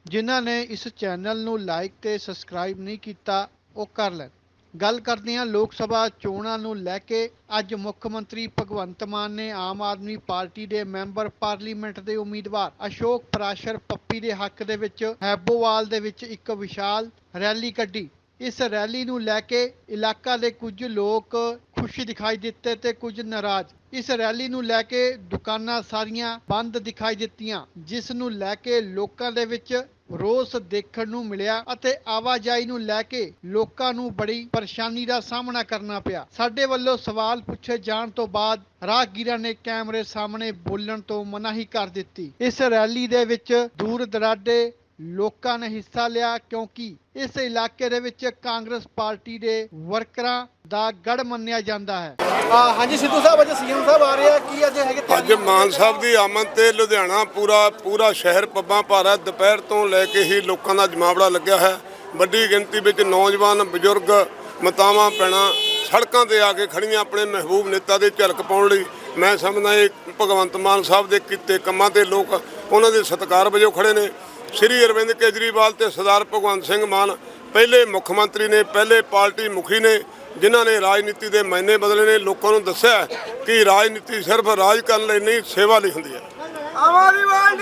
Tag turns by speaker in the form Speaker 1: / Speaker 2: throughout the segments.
Speaker 1: ਜਿਨ੍ਹਾਂ ਨੇ ਇਸ ਚੈਨਲ ਨੂੰ ਲਾਈਕ ਤੇ ਸਬਸਕ੍ਰਾਈਬ ਨਹੀਂ ਕੀਤਾ ਉਹ ਕਰ ਲੈਣ। ਗੱਲ ਕਰਦੇ ਹਾਂ ਲੋਕ ਸਭਾ ਚੋਣਾਂ ਨੂੰ ਲੈ ਕੇ। ਅੱਜ ਮੁੱਖ ਮੰਤਰੀ ਭਗਵੰਤ ਮਾਨ ਨੇ ਆਮ ਆਦਮੀ ਪਾਰਟੀ ਦੇ ਮੈਂਬਰ ਪਾਰਲੀਮੈਂਟ ਦੇ ਉਮੀਦਵਾਰ ਅਸ਼ੋਕ ਪ੍ਰਾਸ਼ਰ ਪੱਪੀ ਦੇ ਹੱਕ ਦੇ ਵਿੱਚ ਹੈਬੋਵਾਲ ਦੇ ਵਿੱਚ ਇੱਕ ਵਿਸ਼ਾਲ ਰੈਲੀ ਕੱਢੀ। ਇਸ ਰੈਲੀ ਨੂੰ ਲੈ ਕੇ ਇਲਾਕਾ ਦੇ ਕੁਝ ਲੋਕ ਖੁਸ਼ ਦਿਖਾਈ ਦਿੱਤੇ ਤੇ ਕੁਝ ਨਾਰਾਜ਼। ਇਸ ਰੈਲੀ ਨੂੰ ਲੈ ਕੇ ਦੁਕਾਨਾਂ ਸਾਰੀਆਂ ਬੰਦ ਦਿਖਾਈ ਦਿੱਤੀਆਂ, ਜਿਸ ਨੂੰ ਲੈ ਕੇ ਲੋਕਾਂ ਦੇ ਵਿੱਚ ਰੋਸ ਦੇਖਣ ਨੂੰ ਮਿਲਿਆ ਅਤੇ ਆਵਾਜਾਈ ਨੂੰ ਲੈ ਕੇ ਲੋਕਾਂ ਨੂੰ ਬੜੀ ਪਰੇਸ਼ਾਨੀ ਦਾ ਸਾਹਮਣਾ ਕਰਨਾ ਪਿਆ। ਸਾਡੇ ਵੱਲੋਂ ਸਵਾਲ ਪੁੱਛੇ ਜਾਣ ਤੋਂ ਬਾਅਦ ਰਾਹਗੀਰਾਂ ਨੇ ਕੈਮਰੇ ਸਾਹਮਣੇ ਬੋਲਣ ਤੋਂ ਮਨਾਹੀ ਕਰ ਦਿੱਤੀ। ਇਸ ਰੈਲੀ ਦੇ ਵਿੱਚ ਦੂਰ ਦਰਾਡੇ ਲੋਕਾਂ ਨੇ ਹਿੱਸਾ ਲਿਆ, ਕਿਉਂਕਿ ਇਸ ਇਲਾਕੇ ਦੇ ਵਿੱਚ ਕਾਂਗਰਸ ਪਾਰਟੀ ਦੇ ਵਰਕਰਾਂ ਦਾ ਗੜ ਮੰਨਿਆ ਜਾਂਦਾ ਹੈ।
Speaker 2: ਹਾਂਜੀ ਸਿੱਧੂ ਸਾਹਿਬ, ਅੱਜ ਸੀਐਮ ਸਾਹਿਬ ਆ ਰਹੇ ਆ, ਕੀ ਅੱਜ ਹੈਗੇ?
Speaker 3: ਅੱਜ ਮਾਨ ਸਾਹਿਬ ਦੀ ਆਮਦ ਤੇ ਲੁਧਿਆਣਾ ਪੂਰਾ ਸ਼ਹਿਰ ਪੱਬਾਂ ਭਾਰਾ ਦੁਪਹਿਰ ਤੋਂ ਲੈ ਕੇ ਹੀ ਲੋਕਾਂ ਦਾ ਜਮਾਵੜਾ ਲੱਗਿਆ ਹੈ। ਵੱਡੀ ਗਿਣਤੀ ਵਿੱਚ ਨੌਜਵਾਨ, ਬਜ਼ੁਰਗ, ਮਾਤਾਵਾਂ, ਭੈਣਾਂ ਸੜਕਾਂ ਤੇ ਆ ਕੇ ਖੜੀਆਂ ਆਪਣੇ ਮਹਿਬੂਬ ਨੇਤਾ ਦੇ ਝਲਕ ਪਾਉਣ ਲਈ। ਮੈਂ ਸਮਝਦਾ ਇਹ ਭਗਵੰਤ ਮਾਨ ਸਾਹਿਬ ਦੇ ਕੀਤੇ ਕੰਮਾਂ ਤੇ ਲੋਕ ਉਹਨਾਂ ਦੇ ਸਤਿਕਾਰ ਵਜੋਂ ਖੜੇ ਨੇ। ਸ਼੍ਰੀ ਅਰਵਿੰਦ ਕੇਜਰੀਵਾਲ ਤੇ ਸਰਦਾਰ ਭਗਵੰਤ ਸਿੰਘ ਮਾਨ ਪਹਿਲੇ ਮੁੱਖ ਮੰਤਰੀ ਨੇ, ਪਹਿਲੇ ਪਾਰਟੀ ਮੁਖੀ ਨੇ, ਜਿਨ੍ਹਾਂ ਨੇ ਰਾਜਨੀਤੀ ਦੇ ਮਾਇਨੇ ਬਦਲੇ ਨੇ। ਲੋਕਾਂ ਨੂੰ ਦੱਸਿਆ ਕਿ ਰਾਜਨੀਤੀ ਸਿਰਫ ਰਾਜ ਕਰਨ ਲਈ ਨਹੀਂ, ਸੇਵਾ ਲਈ ਹੁੰਦੀ ਹੈ।
Speaker 2: ਆਮ ਆਦਮੀ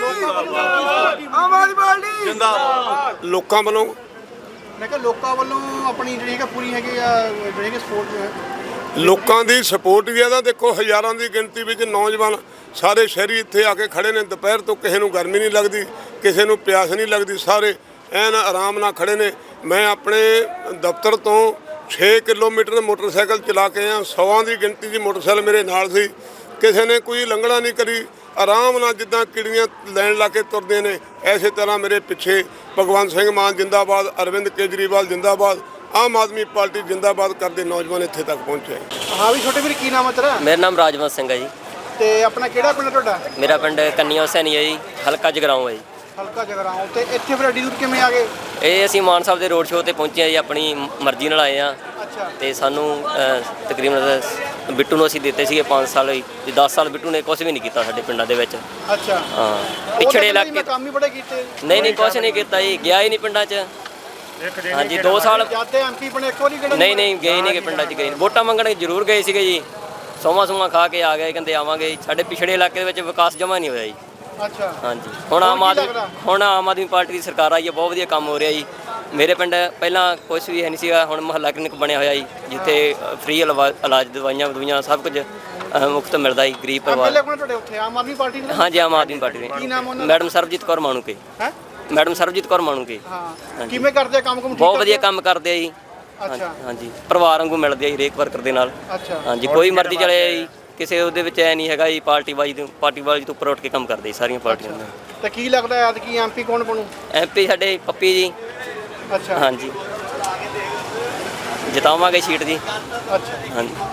Speaker 2: ਪਾਰਟੀ ਜਿੰਦਾਬਾਦ।
Speaker 3: ਲੋਕਾਂ ਵੱਲੋਂ
Speaker 2: ਮੈਂ ਕਿਹਾ ਲੋਕਾਂ ਵੱਲੋਂ ਆਪਣੀ ਜਿਹੜੀ ਹੈ ਪੂਰੀ ਹੈਗੀ ਆ, ਜਿਹੜੀ ਕਿ ਸਪੋਰਟ
Speaker 3: ਲੋਕਾਂ ਦੀ ਸਪੋਰਟ ਵੀ ਇਹਦਾ ਦੇਖੋ, ਹਜ਼ਾਰਾਂ ਦੀ ਗਿਣਤੀ ਵਿੱਚ ਨੌਜਵਾਨ ਸਾਰੇ ਸ਼ਹਿਰੀ ਇੱਥੇ ਆ ਕੇ ਖੜੇ ਨੇ। ਦੁਪਹਿਰ ਤੋਂ ਕਿਸੇ ਨੂੰ ਗਰਮੀ ਨਹੀਂ ਲੱਗਦੀ, ਕਿਸੇ ਨੂੰ ਪਿਆਸ ਨਹੀਂ ਲੱਗਦੀ, ਸਾਰੇ ਐਨ ਆਰਾਮ ਨਾਲ ਖੜੇ ਨੇ। ਮੈਂ ਆਪਣੇ ਦਫ਼ਤਰ ਤੋਂ 6 ਕਿਲੋਮੀਟਰ ਮੋਟਰਸਾਈਕਲ ਚਲਾ ਕੇ ਆਇਆ। 100 ਦੀ ਗਿਣਤੀ ਦੀ ਮੋਟਰਸਾਈਕਲ ਮੇਰੇ ਨਾਲ ਸੀ। ਕਿਸੇ ਨੇ ਕੋਈ ਲੰਘਣਾ ਨਹੀਂ ਕਰੀ, ਆਰਾਮ ਨਾਲ ਜਿੱਦਾਂ ਕਿੜੀਆਂ ਲੈਣ ਲਾ ਕੇ ਤੁਰਦੇ ਨੇ, ਐਸੇ ਤਰ੍ਹਾਂ ਮੇਰੇ ਪਿੱਛੇ ਭਗਵੰਤ ਸਿੰਘ ਮਾਨ ਜਿੰਦਾਬਾਦ, ਅਰਵਿੰਦ ਕੇਜਰੀਵਾਲ ਜਿੰਦਾਬਾਦ, ਆਮ ਆਦਮੀ ਪਾਰਟੀ ਜਿੰਦਾਬਾਦ ਕਰਦੇ ਨੌਜਵਾਨ ਇੱਥੇ ਤੱਕ ਪਹੁੰਚੇ।
Speaker 2: ਹਾਂ ਵੀ ਛੋਟੇ ਵੀਰ, ਕੀ ਨਾਮ ਹੈ ਤੇਰਾ?
Speaker 4: ਮੇਰਾ ਨਾਮ ਰਾਜਵੰਤ ਸਿੰਘ ਹੈ ਜੀ।
Speaker 2: ਤੇ ਆਪਣਾ ਕਿਹੜਾ ਪਿੰਡ ਤੁਹਾਡਾ?
Speaker 4: ਮੇਰਾ ਪਿੰਡ ਕੰਨੀਆ ਹੁਸੈਨੀ ਹੈ ਜੀ, ਹਲਕਾ ਜਗਰਾਉਂ ਹੈ ਜੀ।
Speaker 2: ਹਲਕਾ ਜਗਰਾਉਂ। ਤੇ ਇੱਥੇ ਫਿਰ ਐਡੀ ਦੂਰ ਕਿਵੇਂ ਆ ਗਏ?
Speaker 4: ਇਹ ਅਸੀਂ ਮਾਨ ਸਾਹਿਬ ਦੇ ਰੋਡ ਸ਼ੋਅ ਤੇ ਪਹੁੰਚੇ ਹਾਂ ਜੀ, ਆਪਣੀ ਮਰਜ਼ੀ ਨਾਲ ਆਏ ਹਾਂ।
Speaker 2: ਅੱਛਾ।
Speaker 4: ਤੇ ਸਾਨੂੰ ਤਕਰੀਬਨ ਬਿੱਟੂ ਨੂੰ ਅਸੀਂ ਦਿੱਤੇ ਸੀਗੇ 5 ਸਾਲ ਜੀ। 10 ਸਾਲ ਬਿੱਟੂ ਨੇ ਕੁਝ ਵੀ ਨਹੀਂ ਕੀਤਾ ਸਾਡੇ ਪਿੰਡਾਂ ਦੇ ਵਿੱਚ।
Speaker 2: ਅੱਛਾ।
Speaker 4: ਹਾਂ, ਪਿਛੜੇ ਇਲਾਕੇ
Speaker 2: ਕੰਮ ਹੀ ਬੜੇ ਕੀਤੇ।
Speaker 4: ਨਹੀਂ ਕੁਝ ਨਹੀਂ ਕੀਤਾ ਜੀ, ਗਿਆ ਹੀ ਨਹੀਂ ਪਿੰਡਾਂ 'ਚ। ਹਾਂਜੀ 2 ਸਾਲ
Speaker 2: ਜਾਂਦੇ ਐਮਪੀ ਬਣੇ, ਇੱਕ ਵਾਰੀ ਕਿਹੜਾ?
Speaker 4: ਨਹੀਂ ਗਏ ਨਹੀਂ, ਪਿੰਡਾਂ 'ਚ ਗਏ ਨਹੀਂ। ਵੋਟਾਂ ਮੰਗਣ ਜ਼ਰੂਰ ਗਏ ਸੀਗੇ ਜੀ, ਸੋਮਾ ਖਾ ਕੇ ਆ ਗਏ, ਕਹਿੰਦੇ ਆਵਾਂਗੇ। ਸਾਡੇ ਪਿਛੜੇ ਇਲਾਕੇ ਦੇ ਵਿੱਚ ਵਿਕਾਸ ਜਮਾ ਨਹੀਂ ਹੋਇਆ ਜੀ।
Speaker 2: ਅੱਛਾ।
Speaker 4: ਹਾਂਜੀ, ਹੁਣ ਆਮ ਆਦਮੀ ਪਾਰਟੀ ਦੀ ਸਰਕਾਰ ਆਈ ਹੈ, ਬਹੁਤ ਵਧੀਆ ਕੰਮ ਹੋ ਰਿਹਾ ਜੀ। ਮੇਰੇ ਪਿੰਡ ਪਹਿਲਾਂ ਕੁਛ ਵੀ ਹੈ ਨਹੀਂ ਸੀਗਾ, ਹੁਣ ਮੁਹੱਲਾ ਕਲੀਨਿਕ ਬਣਿਆ ਹੋਇਆ ਜੀ, ਜਿੱਥੇ ਫ੍ਰੀ ਇਲਾਜ ਦਵਾਈਆਂ ਸਭ ਕੁਝ ਮੁਫਤ ਮਿਲਦਾ ਜੀ ਗਰੀਬ ਪਰਿਵਾਰ।
Speaker 2: ਤੁਹਾਡੇ ਉੱਥੇ ਆਮ ਆਦਮੀ ਪਾਰਟੀ ਦੇ?
Speaker 4: ਹਾਂਜੀ, ਆਮ ਆਦਮੀ ਪਾਰਟੀ ਦੇ।
Speaker 2: ਕੀ ਨਾਮ ਉਹਨਾਂ?
Speaker 4: ਮੈਡਮ ਸਰਬਜੀਤ ਕੌਰ ਮਾਣੂਕੇ।
Speaker 2: ਹੈ
Speaker 4: ਮੈਡਮ ਸਰਬਜੀਤ ਕੌਰ ਮਾਣੂਕੇ।
Speaker 2: ਹਾਂ, ਕਿਵੇਂ ਕਰਦੇ ਆ ਕੰਮ?
Speaker 4: ਬਹੁਤ ਵਧੀਆ ਕੰਮ ਕਰਦੇ ਆ ਜੀ।
Speaker 2: ਅੱਛਾ।
Speaker 4: ਹਾਂਜੀ, ਪਰਿਵਾਰ ਵਾਂਗੂ ਮਿਲਦੇ ਆ ਜੀ ਹਰੇਕ ਵਰਕਰ ਦੇ ਨਾਲ।
Speaker 2: ਅੱਛਾ।
Speaker 4: ਹਾਂਜੀ, ਕੋਈ ਮਰਜ਼ੀ ਚਲੇ ਜੀ, ਕਿਸੇ ਉਹਦੇ ਵਿੱਚ ਐ ਨਹੀਂ ਹੈਗਾ ਜੀ ਪਾਰਟੀ ਵਾਲੀ ਤੋਂ ਉੱਪਰ ਉੱਠ ਕੇ ਕੰਮ ਕਰਦੇ ਸਾਰੀਆਂ ਪਾਰਟੀਆਂ ਦਾ।
Speaker 2: ਤੇ ਕੀ ਲੱਗਦਾ ਹੈ ਐਤਕੀ ਐਮਪੀ ਕੌਣ ਬਣੂ?
Speaker 4: ਐਮਪੀ ਸਾਡੇ ਪੱਪੀ ਜੀ।
Speaker 2: ਅੱਛਾ।
Speaker 4: ਹਾਂਜੀ, ਜਿਤਾਵਾਂਗੇ ਸੀਟ ਜੀ।
Speaker 2: ਅੱਛਾ।
Speaker 4: ਹਾਂਜੀ।